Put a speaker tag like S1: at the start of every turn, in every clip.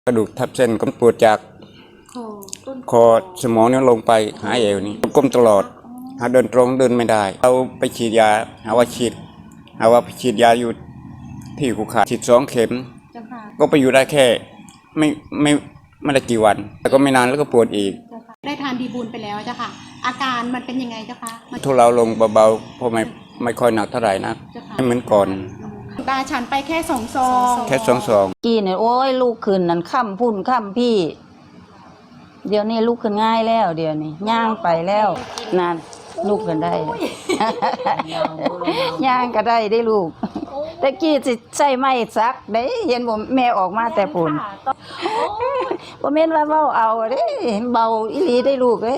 S1: กระดูกทับเส้นก็ปวดจากคอสมองนี่ลงไปหาเอวนี่ก้มตลอดหาเดินตรงเดินไม่ได้เราไปฉีดยาหาว่าไปฉีดยาอยู่ที่ขุขาฉีด2 เข็มก็ไปอยู่ได้แค่ไม่ได้กี่วันแต่ก็ไม่นานแล้วก็ปวดอีก
S2: ได้ทานดีบูลไปแล้วเจ้าค่ะอาการมันเป็นยังไงเจ้าค่ะ
S1: ทุเลาลงเบาๆเพราะไม่ค่อยหนักเท่าไหร่นะไม่เหมือนก่อน
S2: ตาฉันไปแค่2 ซอง
S1: แค่2 ซอง
S3: กี้เนี่ยโอ้ยลูกขึ้นนั่นค่ำพุ่นค่ำพี่เดี๋ยวนี้ลูกขึ้นง่ายแล้วเดี๋ยวนี้ย่างไปแล้วนั่นลูกขึ้นได้ย่างก็ได้ลูกแต่กี้สิใช่ไหมซักได้เห็นผมแม่ออกมาแต่ปุ่นบ่แม่นว่าเว้าเอาเด้เบาอีหลีได้ลูกเอ้ย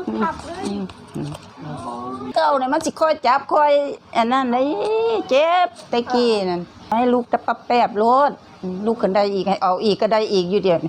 S3: เก้าเนี่ยมันสิค่อยจับค่อยอันนั้นได้เจ็บแต่กี้นั่นให้ลูกตะปับแป๊บโลดลูกขึ้นได้อีกให้เอาอีกก็ได้อีกอยู่เดี๋ยวนี้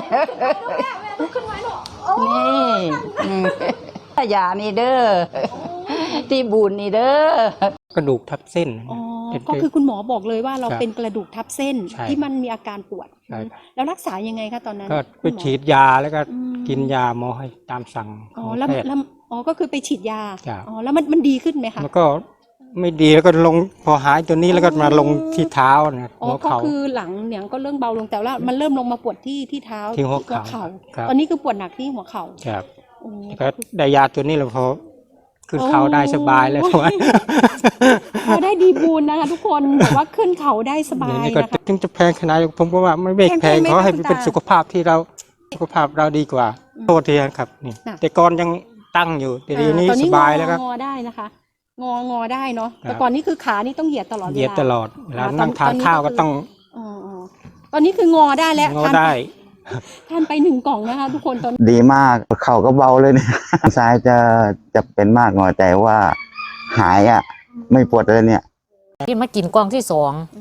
S3: นี่ยานี่เด้อที่บุญนี่เด้อก
S4: ระดูกทับเส้น
S2: ก็คือคุณหมอบอกเลยว่าเราเป็นกระดูกทับเส้นที่มันมีอาการปวดแล้วรักษายังไงคะตอนนั้น
S4: ก็ไปฉีดยาแล้วก็กินยาหมอให้ตามสั่งของแพทย์
S2: ก็คือไปฉีดยาแล้วมันดีขึ้นไหมคะ
S4: แล้วก็ไม่ดีแล้วก็ลงพอหายตัวนี้แล้วก็มาลงที่เท้าเนี่ยหัวเข่า
S2: ก็คือหลังเนี่ยก็เริ่มเบาลงแต่ว่ามันเริ่มลงมาปวดที่เท้า
S4: ที่หัวเข่า
S2: ตอนนี้คือปวดหนักที่หัวเข่า
S4: ครับก็ได้ยาตัวนี้แล้วพอขึ้นเขาได้สบายเลย
S2: พอได้ดีบูลนะคะทุกคนบอกว่าขึ้นเขาได้สบายนะคะ
S4: ถึงจะแพงขนาดผมก็ว่าไม่แพงเขาให้เป็นสุขภาพเราดีกว่าโทษทีครับนี่แต่ก่อนยังตั้งอยู่แต่ทีนี้สบายแล้วครับ
S2: งอได้นะคะงอได้เนาะแต่ก่อนนี้คือขานี่ต้องเหยียดตลอดเวลา
S4: เหยียดตลอดแล้วนั่งทานข้าวก็ต้อง
S2: ตอนนี้คืองอได้แล้ว
S4: งอได้
S2: ทานไป1 กล่องนะคะทุกคนตอน
S5: ดีมากเข่าก็เบาเลยเนี่ยซ้ายจะเป็นมากหน่อยแต่ว่าหายไม่ปวดเลยเนี่ย
S6: กินมากินกล่องที่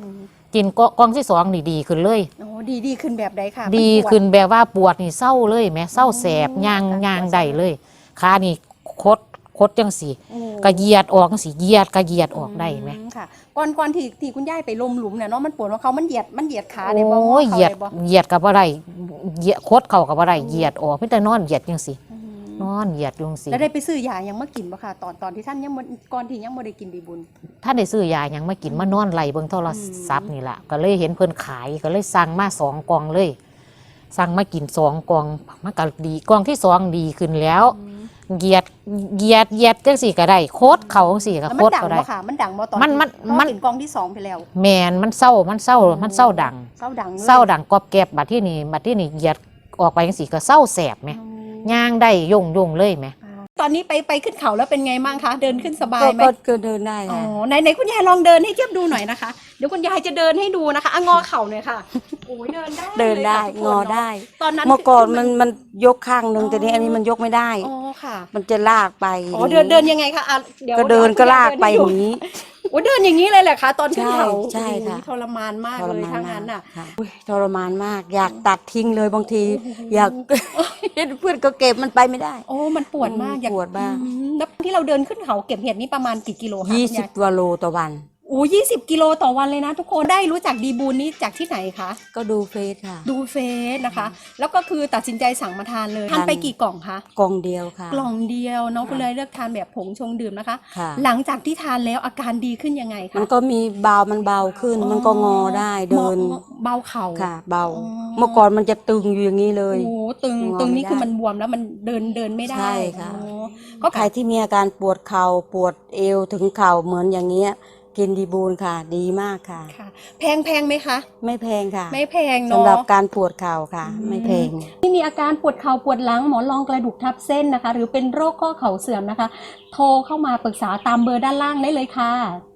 S6: 2กินกล่องที่2ดีขึ้นเลย
S2: ดีขึ้นแบบใดค่ะ
S6: ดีขึ้นแบบว่าปวดนี่เศร้าเลยแม่เศร้าแสบยางได้เลยขานี่คดจังสีกระเยียดออกจังสีกระเยียดออกได้ไหม
S2: ค่ะก่อนที่คุณย่ายไปลมหลุมเนี่ยเนาะมันปวดว่าเขามันเหยียดขาในบ่
S6: เหยียดกับอะไรคดเข่ากับอะไรเหยียดออกไม่แต่นอนเหยียดจังสีนอนเหยียดจังสี
S2: แล้วได้ไปซื้อยายังมากินป่ะค่ะตอนที่ท่านยังก่อนที่ยังไม่ได้กินดีบุญ
S6: ท่านได้ซื้อยายังมากินมานอนไหลเบิ่งโทรศัพท์นี่แหละก็เลยเห็นเพิ่นขายก็เลยสั่งมา2 กล่องเลยสั่งมากิน2 กล่องมันก็ดีกล่องที่2ดีขึ้นแล้วเหยียดจังสี่ก็ได้โคตรเขาจังสี่ก็โคตรก็ได้
S2: มันดังบ่ตอนมันกินกล่องที่2ไปแล้ว
S6: แมนมันเศร้าดังกอบแกบบัดที่นี่เหยียดออกไปจังสี่ก็เศร้าแสบไหมย่างได้ยงเลยไหม
S2: ตอนนี้ไปขึ้นเขาแล้วเป็นไงบ้างคะเดินขึ้นสบายไหม
S3: ก็เดินได้
S2: ค่ะไหนคุณยายลองเดินให้เทียบดูหน่อยนะคะเดี๋ยวคุณยายจะเดินให้ดูนะคะงอเข่าหน่อยค่ะโอ้ยเดิน
S3: ได้งอได้
S2: ตอนนั้น
S3: เมื่อก่อนมันยกข้างนึงแต่นี้อันนี้มันยกไม่ได้
S2: ค่ะ
S3: มันจะลากไป
S2: เดินยังไงคะ
S3: ก็เดินก็ลากไปอย่างนี้
S2: เดินอย่างนี้เลยแหละคะตอนขึ้นเขา
S3: ใช่ค่ะ
S2: ทรมานมากเลยทั้งนั้นน่ะ
S3: ทรมานมากอยากตัดทิ้งเลยบางทีอยากเพื่อนก็เก็บมันไปไม่ได้
S2: มันปวดมาก
S3: ปวดบ้าง
S2: แล้วที่เราเดินขึ้นเขาเก็บเห็ดนี่ประมาณกี่กิโลคะ
S3: 20 กว่าโลต่อวัน
S2: 20 กิโลต่อวันเลยนะทุกคนได้รู้จักดีบูลนี้จากที่ไหนคะ
S3: ก็ดูเฟซค่ะ
S2: ดูเฟซนะคะแล้วก็คือตัดสินใจสั่งมาทานเลยทานไปกี่กล่องคะ
S3: กล่องเดียวค่ะ
S2: กล่องเดียวน้องคุณเลยเลือกทานแบบผงชงดื่มนะคะหลังจากที่ทานแล้วอาการดีขึ้นยังไงคะ
S3: มันก็มีมันเบาขึ้นมันก็งอได้เดิน
S2: เบาเข่า
S3: ค่ะเบาเมื่อก่อนมันจะตึงอยู่อย่างนี้เลย
S2: ตึงนี่คือมันบวมแล้วมันเดินไม่ได้
S3: ใช่ค่ะก็ใครที่มีอาการปวดเข่าปวดเอวถึงเข่าเหมือนอย่างเงี้ยกินดีบูลค่ะดีมากค่ะ
S2: แพงไหมคะ
S3: ไม่แพงค่ะ
S2: ไม่แพงเนาะ
S3: สำหรับการปวดเข่าค่ะไม่แพง
S2: ที่มีอาการปวดเข่าปวดหลังหมอนรองกระดูกทับเส้นนะคะหรือเป็นโรคข้อเข่าเสื่อมนะคะโทรเข้ามาปรึกษาตามเบอร์ด้านล่างได้เลยค่ะ